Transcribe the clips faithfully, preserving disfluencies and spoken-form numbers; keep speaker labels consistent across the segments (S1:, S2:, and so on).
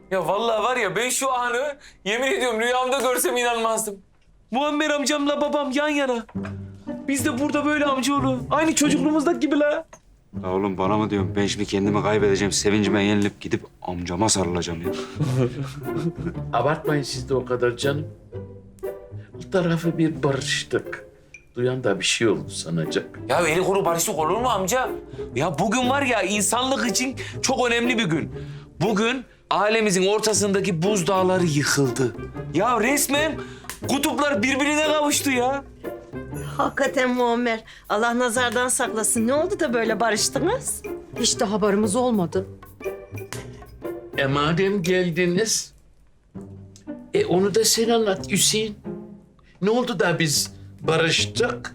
S1: Ya vallahi var ya ben şu anı yemin ediyorum rüyamda görsem inanmazdım. Muammer amcamla babam yan yana. Biz de burada böyle amcaoğlu. Aynı çocukluğumuzdaki gibi la.
S2: Ya oğlum bana mı diyorsun? Ben şimdi kendimi kaybedeceğim. Sevincime yenilip gidip amcama sarılacağım ya.
S3: Abartmayın siz de o kadar canım. Bu tarafı bir barıştık. Duyan da bir şey oldu sanacak.
S1: Ya eli kuru barışık olur mu amca? Ya bugün var ya insanlık için çok önemli bir gün. Bugün ailemizin ortasındaki buzdağları yıkıldı. Ya resmen kutuplar birbirine kavuştu ya.
S4: Hakikaten Muammer. Allah nazardan saklasın. Ne oldu da böyle barıştınız?
S5: Hiç de haberimiz olmadı.
S3: E madem geldiniz, e onu da sen anlat Hüseyin. Ne oldu da biz barıştık?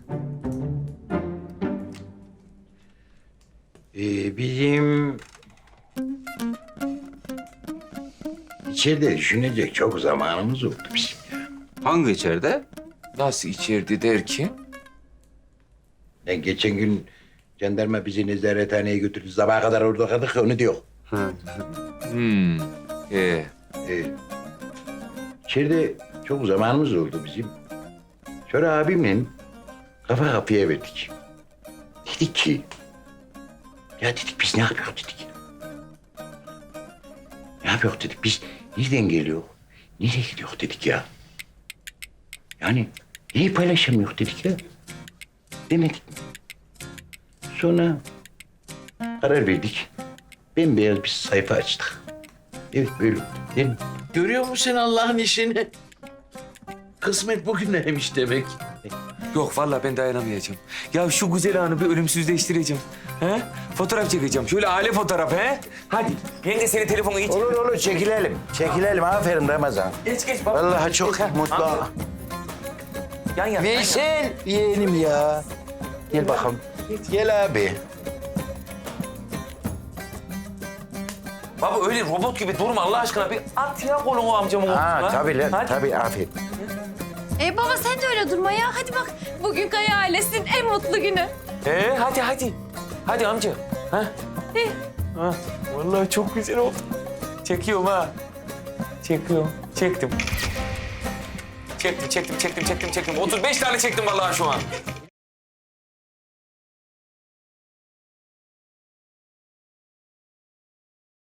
S6: Ee, bizim içeride düşünecek çok zamanımız oldu bizim ya.
S2: Hangi içeride?
S1: Nasıl içerdi derken?
S6: Ben geçen gün jandarma bizi nezarethaneye götürdü. Sabaha kadar orada kaldık onu diyor.
S1: Hmm. Ee,
S6: Ee, içeride çok zamanımız oldu bizim. Sonra abimle kafa kafaya verdik. Dedik ki, ya dedik biz ne yapıyoruz dedik. Ne yapıyoruz dedik biz nereden geliyor, nereye gidiyor dedik ya. Yani neyi paylaşamıyor dedik ya. Demedik mi? Sonra karar verdik. Bembeyaz bir sayfa açtık. Evet böyle değil mi?
S3: Görüyor musun sen Allah'ın işini? Kısmet bugüneymiş demek.
S1: yok vallahi ben dayanamayacağım. Ya şu güzel anı bir ölümsüzleştireceğim. He? Fotoğraf çekeceğim. Şöyle aile fotoğrafı he? Hadi. Yenge senin telefonu iç.
S6: Olur olur çekilelim. Çekilelim aferin Ramazan.
S1: Geç geç. baba.
S6: Vallahi çok
S1: Geç, ha.
S6: mutlu.
S1: Amca. Yan yan. yan yan.
S6: Veysel yeğenim ya. Gel bakalım. Gel abi.
S1: Baba öyle robot gibi durma Allah aşkına. Bir at ya kolunu amcamın
S6: Ha
S1: omzuna.
S6: tabii lan
S1: Hadi.
S6: tabii aferin.
S5: E baba sen de öyle durma ya. Hadi bak bugün Kaya ailesinin en mutlu günü.
S1: Ee, hadi hadi. Hadi amca. Ha? Ha. Vallahi çok güzel oldu. Çekiyorum ha. Çekiyorum. Çektim. Çektim, çektim, çektim, çektim, çektim. otuz beş tane çektim vallahi şu an.